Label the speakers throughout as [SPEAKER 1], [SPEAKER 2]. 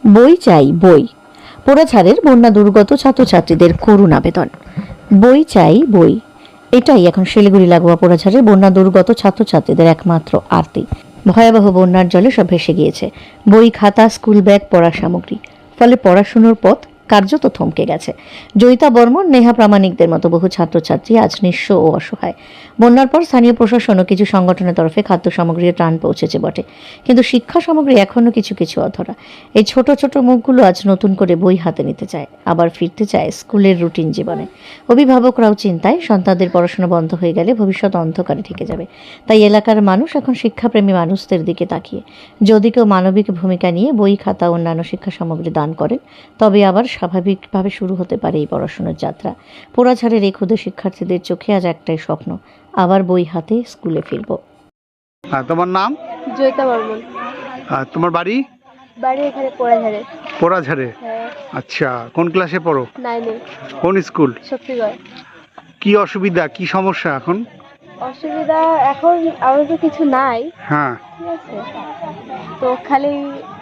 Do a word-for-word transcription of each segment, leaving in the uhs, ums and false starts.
[SPEAKER 1] বই চাই বই। পোড়াঝাড়ের বন্যা দুর্গত ছাত্রছাত্রীদের করুণ আবেদন। বই চাই বই, এটাই এখন শিলিগুড়ি লাগোয়া পোড়াঝাড়ের বন্যা দুর্গত ছাত্রছাত্রীদের একমাত্র আরতি। ভয়াবহ বন্যার জলে সব ভেসে গিয়েছে বই, খাতা, স্কুল ব্যাগ, পড়ার সামগ্রী। ফলে পড়াশুনোর পথ কার্যত থমকে গেছে। জয়িতা বর্মন, নেহা প্রামাণিকদের মতো বহু ছাত্রছাত্রী আজ নিঃস্ব ও অসহায়। বন্যার পর স্থানীয় প্রশাসন ও কিছু সংগঠনের তরফে খাদ্য সামগ্রীর ত্রাণ পৌঁছেছে বটে, কিন্তু শিক্ষা সামগ্রী এখনো কিছু কিছু অধরা। এই ছোট ছোট মুখগুলো আজ নতুন করে বই হাতে নিতে চায়, আবার ফিরতে চায় স্কুলের রুটিন জীবনে। অভিভাবকরাও চিন্তায়, সন্তানদের পড়াশোনা বন্ধ হয়ে গেলে ভবিষ্যৎ অন্ধকারে ঠেকে যাবে। তাই এলাকার মানুষ এখন শিক্ষাপ্রেমী মানুষদের দিকে তাকিয়ে যদি কেউ মানবিক ভূমিকা নিয়ে বই, খাতা, অন্যান্য শিক্ষা সামগ্রী দান করেন, তবে আবার স্বাভাবিকভাবে শুরু হতে পারে এই পড়াশোনার যাত্রা। পোড়াঝাড়ের এই ক্ষুদে শিক্ষার্থীদের চোখে আজ একটাই স্বপ্ন, আবার বই হাতে স্কুলে ফিরব।
[SPEAKER 2] হ্যাঁ, তোমার নাম?
[SPEAKER 3] জয়িতা বর্মন।
[SPEAKER 2] আর তোমার বাড়ি?
[SPEAKER 3] বাড়ি এখানে পোড়াঝাড়ে।
[SPEAKER 2] পোড়াঝাড়ে?
[SPEAKER 3] হ্যাঁ।
[SPEAKER 2] আচ্ছা, কোন ক্লাসে পড়ো?
[SPEAKER 3] নাইনে।
[SPEAKER 2] কোন স্কুল?
[SPEAKER 3] শক্তিগড়।
[SPEAKER 2] কি অসুবিধা, কি সমস্যা এখন?
[SPEAKER 3] অসুবিধা এখন আমার তো কিছু নাই,
[SPEAKER 2] হ্যাঁ,
[SPEAKER 3] ঠিক আছে, তো খালি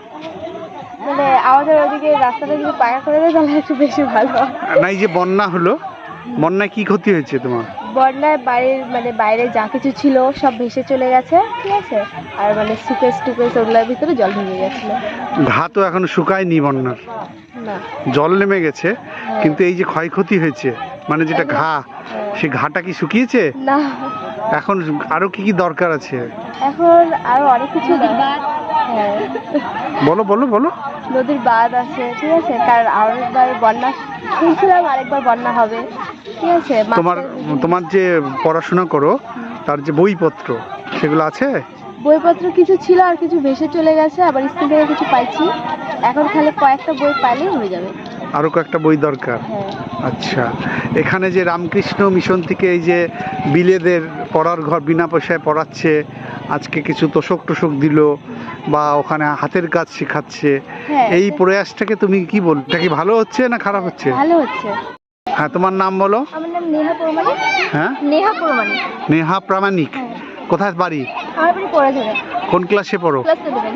[SPEAKER 3] মানে আমাদের ওদিকে রাস্তাটা যদি পাকা করে দেয় তাহলে একটু বেশি ভালো হয়।
[SPEAKER 2] না, এই যে বন্যা হলো, বন্যায় কি ক্ষতি হয়েছে তোমার?
[SPEAKER 3] বন্যায় বাড়ির মানে বাইরে যা কিছু ছিল সব ভেসে চলে গেছে, ঠিক আছে, আর মানে সুকেস টুকেস ওগুলোর ভিতরে জল ঢুকে গেছিল।
[SPEAKER 2] ঘা তো এখনো শুকায়নি বন্যার,
[SPEAKER 3] না,
[SPEAKER 2] জল নেমে গেছে, কিন্তু এই যে ক্ষয়ক্ষতি হয়েছে মানে যেটা ঘা, সেই ঘাটা কি শুকিয়েছে?
[SPEAKER 3] না,
[SPEAKER 2] এখন আরো কি কি দরকার আছে?
[SPEAKER 3] এখন আরো অনেক কিছু বাদ। হ্যাঁ,
[SPEAKER 2] বলো বলো বলো।
[SPEAKER 3] নদীর বাঁধ আছে, ঠিক আছে, কারণ আরেকবার বন্যা শুনছিলাম, আরেকবার বন্যা হবে, ঠিক আছে।
[SPEAKER 2] তোমার তোমার যে পড়াশোনা করো তার যে বইপত্র সেগুলো আছে?
[SPEAKER 3] বইপত্র কিছু ছিল আর কিছু ভেসে চলে গেছে, আবার স্কুল থেকে কিছু পাইছি, এখন খালি কয়েকটা বই পাইলেই হয়ে যাবে।
[SPEAKER 2] আরো কয়েকটা বই দরকার?
[SPEAKER 3] হ্যাঁ।
[SPEAKER 2] আচ্ছা, এখানে যে রামকৃষ্ণ মিশন থেকে এই যে বিলেদের পড়ার ঘর বিনা পয়সায় পড়াচ্ছে, আজকে কিছু তোষক টোষক দিল বা ওখানে হাতের কাজ শেখাচ্ছে,
[SPEAKER 3] হ্যাঁ,
[SPEAKER 2] এই প্রয়াসটাকে তুমি কি বল, এটা কি ভালো হচ্ছে না খারাপ হচ্ছে?
[SPEAKER 3] ভালো হচ্ছে।
[SPEAKER 2] হ্যাঁ, তোমার নাম বলো?
[SPEAKER 3] আমার নাম নেহা প্রমাণিক।
[SPEAKER 2] হ্যাঁ,
[SPEAKER 3] নেহা প্রমাণিক।
[SPEAKER 2] নেহা প্রামাণিক। কোথায় বাড়ি?
[SPEAKER 3] আমার বাড়ি পোড়াঝাড়ে।
[SPEAKER 2] কোন ক্লাসে পড়ো?
[SPEAKER 3] Class eleven.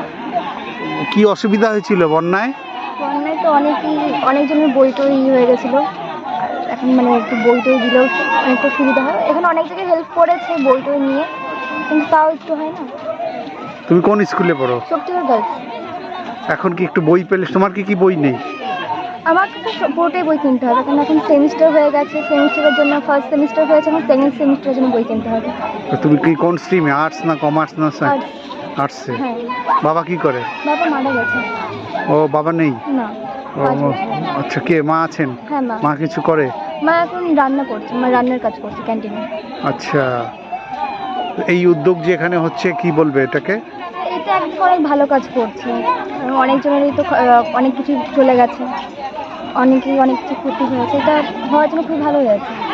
[SPEAKER 2] কি অসুবিধা হয়েছিল বন্যায়?
[SPEAKER 3] বন্যায় তো অনেকই অনেকজনের বই টই হয়ে গেছিলো, আর এখন মানে একটু বই টই দিলেও অনেকটা সুবিধা হয়। এখানে অনেক জায়গায় হেল্প করেছে বই টই নিয়ে, কিন্তু তাও একটু হয় না।
[SPEAKER 2] তুমি কোন স্কুলে পড়ো?
[SPEAKER 3] শক্তিগড় গার্লস।
[SPEAKER 2] এখন কি একটু বই পেলে? তোমার কি কি বই নেই?
[SPEAKER 3] আমাকে তো পুরোটাই বই কিনতে হবে, কারণ এখন সেমিস্টার হয়ে গেছে, সেমিস্টারের জন্য ফার্স্ট সেমিস্টার হয়েছে, এখন সেকেন্ড সেমিস্টারের জন্য বই কিনতে হবে।
[SPEAKER 2] তো তুমি কি কোন স্ট্রিমে, আর্টস না কমার্স না সায়েন্স?
[SPEAKER 3] আর
[SPEAKER 2] আর্টসে।
[SPEAKER 3] হ্যাঁ,
[SPEAKER 2] বাবা কি করে?
[SPEAKER 3] বাবা মারা গেছে।
[SPEAKER 2] ও, বাবা নেই?
[SPEAKER 3] না,
[SPEAKER 2] ও,
[SPEAKER 3] পাঁচ বছর।
[SPEAKER 2] আচ্ছা, কে মা আছেন?
[SPEAKER 3] হ্যাঁ, মা।
[SPEAKER 2] মা কিছু করে?
[SPEAKER 3] মা এখন রান্না করছে, মা রান্নার কাজ করছে ক্যান্টিনে।
[SPEAKER 2] আচ্ছা, এই উদ্যোগ যে এখানে হচ্ছে, কি বলবে এটাকে?
[SPEAKER 3] এটা একদিকে অনেক ভালো কাজ করছে, অনেকজনেরই তো আহ, অনেক কিছু চলে গেছে, অনেকেই অনেক কিছু ক্ষতি হয়েছে, এটা হওয়ার জন্য খুব ভালো হয়েছে।